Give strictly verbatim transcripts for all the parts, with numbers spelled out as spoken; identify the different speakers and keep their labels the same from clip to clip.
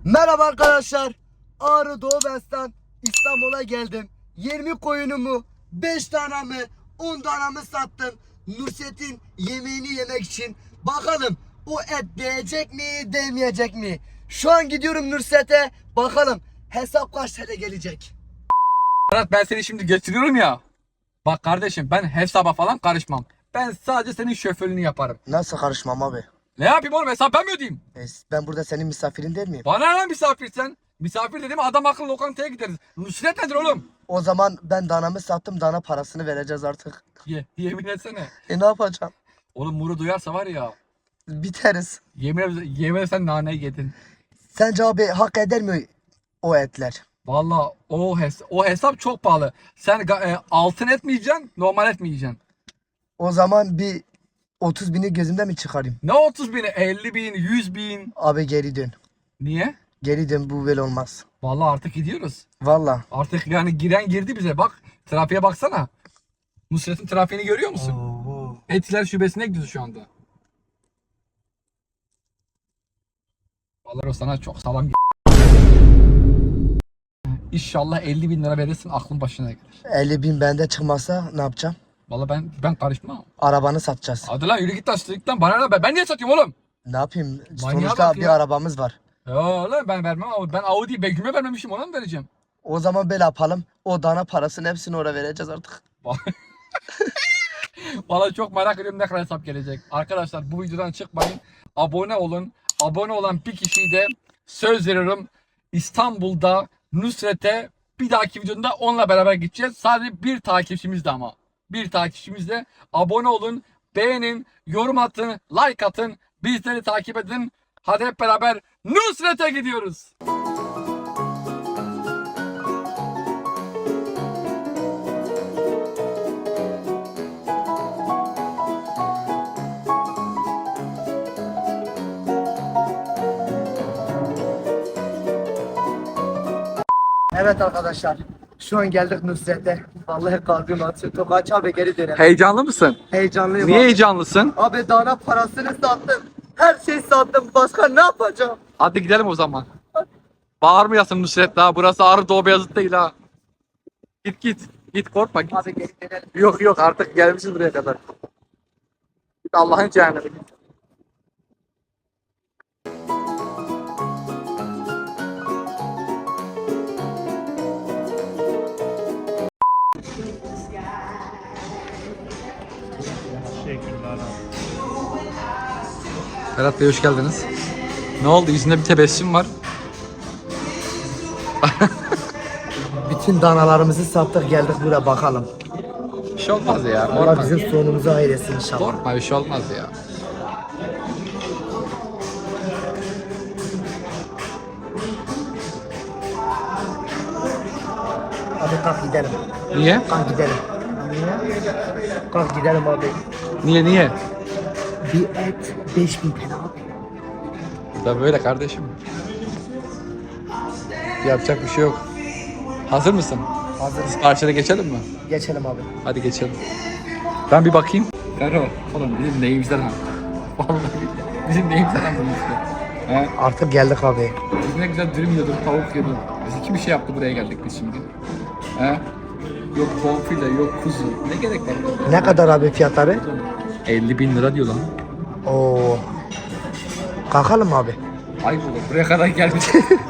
Speaker 1: Merhaba arkadaşlar. Ağrı Doğu Bes'ten İstanbul'a geldim. yirmi koyunumu, beş tanemi, on tanemi sattım. Nusret'in yemeğini yemek için. Bakalım o et değecek mi, değmeyecek mi? Şu an gidiyorum Nusret'e. Bakalım hesap kaç T L gelecek.
Speaker 2: Berat, ben seni şimdi getiriyorum ya. Bak kardeşim, ben hesaba falan karışmam. Ben sadece senin şoförlüğünü yaparım.
Speaker 1: Nasıl karışmam abi?
Speaker 2: Ne yapayım oğlum, hesap ben mi ödeyeyim?
Speaker 1: E, Ben burada senin misafirin değil miyim?
Speaker 2: Bana ne misafir sen? Misafir dedim, adam akıllı lokantaya gideriz. Nusret nedir oğlum?
Speaker 1: O zaman ben danamı sattım. Dana parasını vereceğiz artık.
Speaker 2: Ye, yemin etsene.
Speaker 1: E ne yapacağım?
Speaker 2: Oğlum Muru duyarsa var ya.
Speaker 1: Biteriz.
Speaker 2: Yemin, yemin sen naneyi yedin.
Speaker 1: Sence abi hak eder mi o etler?
Speaker 2: Valla o, hes o hesap çok pahalı. Sen e, altın et mi yiyeceksin, normal et mi yiyeceksin?
Speaker 1: O zaman bir otuz bini gözümde mi çıkarayım?
Speaker 2: Ne otuz bini? elli bin, yüz bin.
Speaker 1: Abi geri dön.
Speaker 2: Niye?
Speaker 1: Geri dön, bu böyle olmaz.
Speaker 2: Valla artık gidiyoruz.
Speaker 1: Valla.
Speaker 2: Artık yani giren girdi bize. Bak trafiğe baksana. Nusret'in trafiğini görüyor musun?
Speaker 1: Oo.
Speaker 2: Etiler şubesine gidiyoruz şu anda. Vallahi o sana çok sağlam. İnşallah elli bin lira verirsin, aklın başına gelir.
Speaker 1: elli bin bende çıkmasa ne yapacağım?
Speaker 2: Vallahi ben ben karışmam.
Speaker 1: Arabanı satacağız.
Speaker 2: Hadi lan yürü git lan, sıklıktan bana ne be? Ben niye satıyorum oğlum?
Speaker 1: Ne yapayım?
Speaker 2: Manyağa
Speaker 1: Sonuçta
Speaker 2: bak
Speaker 1: bir
Speaker 2: ya.
Speaker 1: arabamız var.
Speaker 2: Ya lan ben vermem ama ben Audi Begüm'e vermemişim, ona mı vereceğim?
Speaker 1: O zaman böyle yapalım. O dana parasını hepsini oraya vereceğiz artık.
Speaker 2: Vallahi çok merak ediyorum ne kadar hesap gelecek. Arkadaşlar bu videodan çıkmayın. Abone olun. Abone olan bir kişiyi de söz veriyorum, İstanbul'da Nusret'e bir dahaki videoda onunla beraber gideceğiz. Sadece bir takipçimiz de ama. Bir takipçimiz de. Abone olun, beğenin, yorum atın, like atın, bizleri takip edin. Hadi hep beraber Nusret'e gidiyoruz.
Speaker 1: Evet arkadaşlar. Şu an geldik Nusret'e. Vallahi kalbim atıyor. Tokaç abi geri dönelim.
Speaker 2: Heyecanlı mısın?
Speaker 1: Heyecanlıyım
Speaker 2: Niye
Speaker 1: abi.
Speaker 2: heyecanlısın?
Speaker 1: Abi dana parasını sattım. Her şeyi sattım. Başka ne yapacağım?
Speaker 2: Hadi gidelim o zaman. Bağırmayasın Nusret daha. Burası Ağrı Doğu Beyazıt değil ha. Git git. Git, korkma git.
Speaker 1: Abi geri dönelim.
Speaker 2: Yok yok, artık gelmişiz buraya kadar. Git Allah'ın cehennemi git. Ferhat Bey hoş geldiniz. Ne oldu? Yüzünde bir tebessüm var.
Speaker 1: Bütün danalarımızı sattık, geldik buraya bakalım.
Speaker 2: Bir şey olmaz ya.
Speaker 1: Allah
Speaker 2: Korkma.
Speaker 1: bizim sonumuzu hayretsin inşallah.
Speaker 2: Korkma, bir şey olmaz ya.
Speaker 1: Hadi kalk gidelim.
Speaker 2: Niye?
Speaker 1: Kalk gidelim. Kalk gidelim abi.
Speaker 2: Niye niye?
Speaker 1: Bir et beş bin T L abi.
Speaker 2: Da böyle kardeşim. Yapacak bir şey yok. Hazır mısın?
Speaker 1: Hazırız.
Speaker 2: Karşıya geçelim mi?
Speaker 1: Geçelim abi.
Speaker 2: Hadi geçelim. Ben bir bakayım. Ferro, oğlum bizim neyimizden ha? Vallahi bizim neyimizden ha bunun işte. He?
Speaker 1: Artık geldik abi.
Speaker 2: Biz ne güzel dürüm yiyorduk, tavuk yiyorduk. Biz iki bir şey yaptı, buraya geldik biz şimdi. He? Yok bonfile, yok kuzu. Ne gerek var?
Speaker 1: Ne kadar abi fiyatları?
Speaker 2: elli bin lira diyor lan.
Speaker 1: Oo. Kalkalım abi.
Speaker 2: Ayıp olur, buraya kadar gelmiş.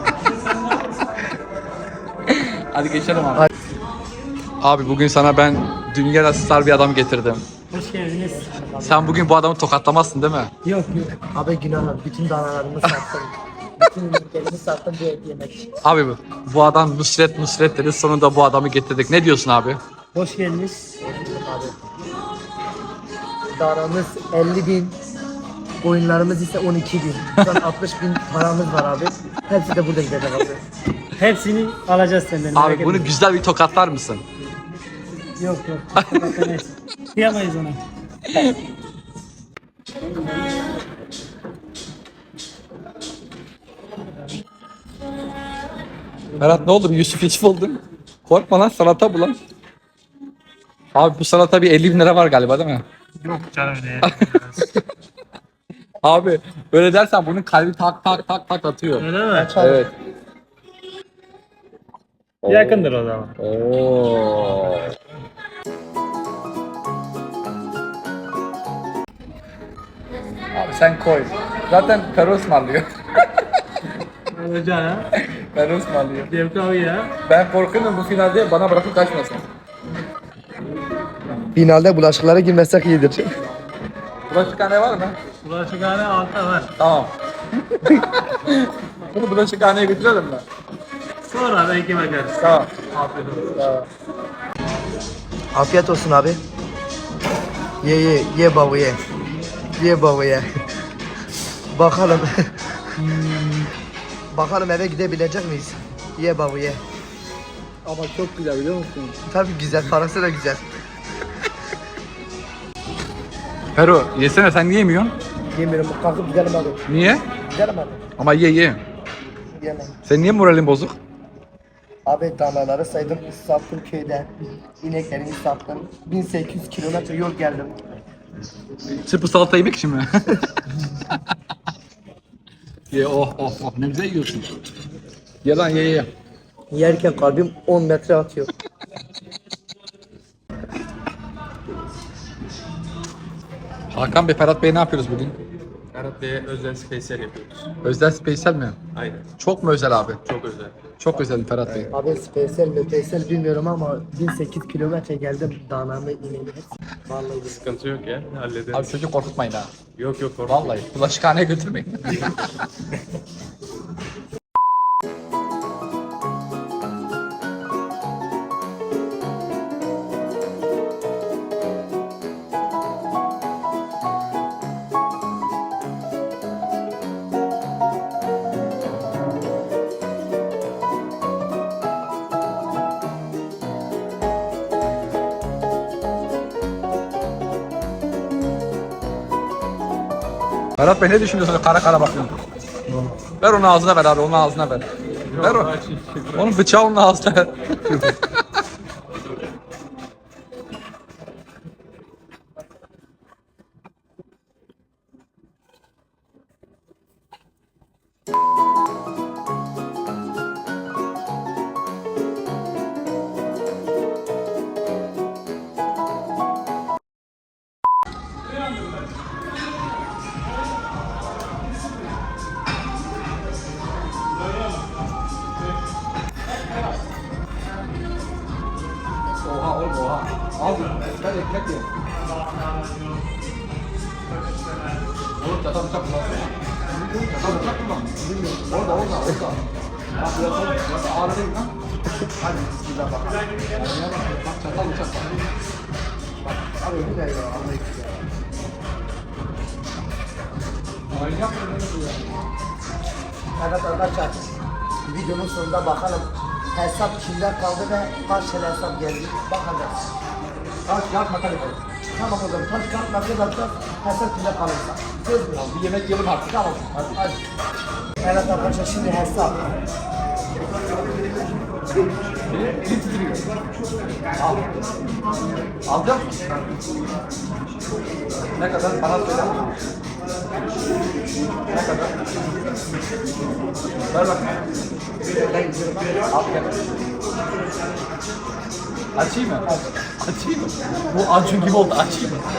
Speaker 2: Hadi geçelim abi.
Speaker 1: Hadi.
Speaker 2: Abi bugün sana ben dünya star bir adam getirdim.
Speaker 3: Hoş geldiniz.
Speaker 2: Sen bugün bu adamı tokatlamazsın değil mi?
Speaker 3: Yok yok.
Speaker 1: Abi günah, bütün danalarımı sattım. Bütün ürünlerimi sattım bir et yemek için.
Speaker 2: Abi bu, bu adam Nusret Nusret dedi, sonunda bu adamı getirdik. Ne diyorsun abi?
Speaker 3: Hoş geldiniz.
Speaker 1: Abi. Danamız elli bin. Oyunlarımız ise on iki bin. Şu an altmış bin paramız var abi. Hepsi de burada gidecek abi.
Speaker 3: Hepsini alacağız senden. merak
Speaker 2: Abi bunu
Speaker 3: etme.
Speaker 2: güzel bir tokatlar mısın?
Speaker 3: Yok yok. Bakamayız. Kıyamayız ona.
Speaker 2: Berat ne oldu? Bir Yusuf Yusuf oldun. Korkma lan, salata bu lan. Abi bu salata bir elli bin lira var galiba değil mi?
Speaker 3: Yok canım ne?
Speaker 2: Abi öyle dersen bunun kalbi tak tak tak tak atıyor.
Speaker 3: Öyle mi?
Speaker 2: Evet.
Speaker 3: Yakındır o zaman.
Speaker 2: Oo. Abi sen koy. Zaten Ferro ısmarlıyor.
Speaker 3: Hocam ha.
Speaker 2: Ferro ısmarlıyor.
Speaker 3: Devkavi ya.
Speaker 2: Ben korkuyorum bu finalde bana bırakıp kaçmasın.
Speaker 1: Finalde bulaşıklara girmesek iyidir.
Speaker 2: Bulaşıkhane var mı?
Speaker 3: Bulaşıkhane altta var.
Speaker 2: Tamam. Bunu bulaşıkhaneye götürelim mi?
Speaker 3: Sonra belki bakarız.
Speaker 2: Tamam.
Speaker 3: Afiyet olsun.
Speaker 2: Tamam.
Speaker 1: Afiyet olsun abi. Ye ye ye baba ye. Ye baba ye. Bakalım. Bakalım eve gidebilecek miyiz? Ye baba ye.
Speaker 2: Ama çok güzel biliyor musun?
Speaker 1: Tabii güzel, parası da güzel.
Speaker 2: Ferro yesene sen niye yemiyorsun?
Speaker 1: Yemiyorum, kalkıp gidelim abi.
Speaker 2: Niye?
Speaker 1: Gidelim abi.
Speaker 2: Ama ye ye.
Speaker 1: Yemem.
Speaker 2: Sen niye moralin bozuk?
Speaker 1: Abi danaları saydım, sattım köyde. İneklerimi sattım. bin sekiz yüz kilometre yol geldim.
Speaker 2: Çırpı salata yemek için mi? Ye oh oh oh ne güzel yiyorsun. Ye lan ye ye.
Speaker 1: Yerken kalbim on metre atıyor.
Speaker 2: Hakan Bey, Ferhat Bey ne yapıyoruz bugün?
Speaker 4: Ferhat Bey'e özel spesyal yapıyoruz.
Speaker 2: Özel spesyal mi?
Speaker 4: Aynen.
Speaker 2: Çok mu özel abi?
Speaker 4: Çok özel.
Speaker 2: Çok özel Ferhat Bey.
Speaker 1: Abi spesyal mi spesyal bilmiyorum ama bin sekiz yüz kilometre geldim. Danamı ineğimi hepsi. Vallahi
Speaker 4: Sıkıntı yok ya. Hallederiz.
Speaker 2: Abi çocuğu korkutmayın ha.
Speaker 4: Yok yok korkma.
Speaker 2: Vallahi bulaşıkhaneye götürmeyin. Ferhat Bey ne düşünüyorsun? Kara kara bakıyorsun. Ver onu ağzına ver abi, onun ağzına ver. Ver o. Onun bıçağı onun ağzına ver. Oha oğlum oha. Al bunu. Ben ekmek yiyorum. Oğlum çatal bıçak kullan. Çatal bıçak kullan. Orada orada orada. Bak burası burası ağrı değil lan. Hadi bismillah bak. Oraya bak. Bak çatal bıçak bak. Bak. Abi bu ne ya? Allah için ya. Aynı yapmıyor ne bu ya?
Speaker 1: Evet arkadaşlar, videonun sonunda bakalım hesap kimden kaldı ve kaç tane hesap geldi bakacağız.
Speaker 2: Taş kağıt makas koy.
Speaker 1: Tamam o zaman taş kağıt makas atacağız, hesap kimden kalırsa. Söz mü?
Speaker 2: Bir yemek yiyelim artık.
Speaker 1: Tamam, hadi. hadi. Evet arkadaşlar şimdi hesap.
Speaker 2: Elim titriyor. Al. Alacak mısın? Ne kadar? Bana söyle. Ne kadar? Ver bak. Al gel. Açayım mı? Açayım mı? Bu Acun gibi oldu. Açayım mı?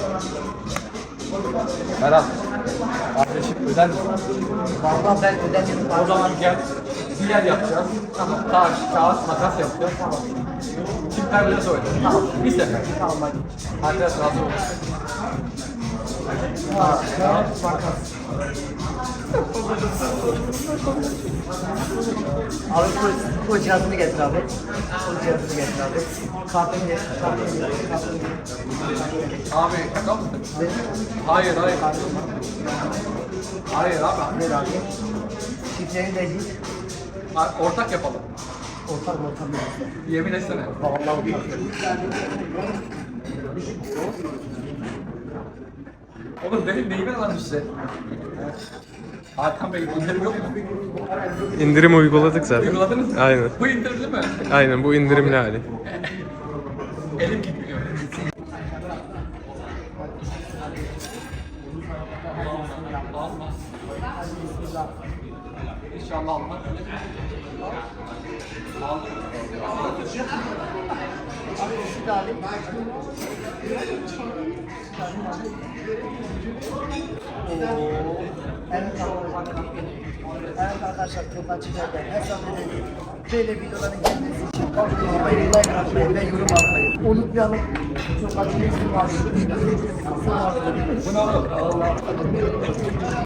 Speaker 2: Ferhat. Kardeşim öder misin?
Speaker 1: Vallahi ben ödedim.
Speaker 2: O zaman gel. Bir yer yapacağız. Tamam. Taş, kağıt, makas yapacağız. Tamam. Çiftler bile söyle. Tamam. Bir sefer.
Speaker 1: Tamam hadi.
Speaker 2: Arkadaş razı olsun.
Speaker 1: Ha, kağıt makas. Abi bu, bu cihazını getir abi. Bu cihazını getir abi. Kartını getir. Kartını getir. Kartını getir.
Speaker 2: Abi şaka mısın? Hayır hayır. Hayır abi.
Speaker 1: Ver abi. Şifreni de git.
Speaker 2: Ha, ortak yapalım.
Speaker 1: Ortak ortak.
Speaker 2: Yemin etsene.
Speaker 1: Vallahi ortak.
Speaker 2: Oğlum benim neyime lan size? Hakan Bey indirim yok mu?
Speaker 5: İndirim uyguladık zaten.
Speaker 2: Uyguladınız mı?
Speaker 5: Aynen.
Speaker 2: Bu indirimli mi?
Speaker 5: Aynen bu indirimli hali.
Speaker 2: Elim gitmiyor. İnşallah alma.
Speaker 1: Şu da alayım. Evet arkadaşlar. Evet arkadaşlar, Topaçı'da hesap edelim. Böyle videoların gelmesi için abone olmayı, like atmayı ve yorum atmayı unutmayalım. Topaçı'nın ismi var.
Speaker 2: Bu ne olur?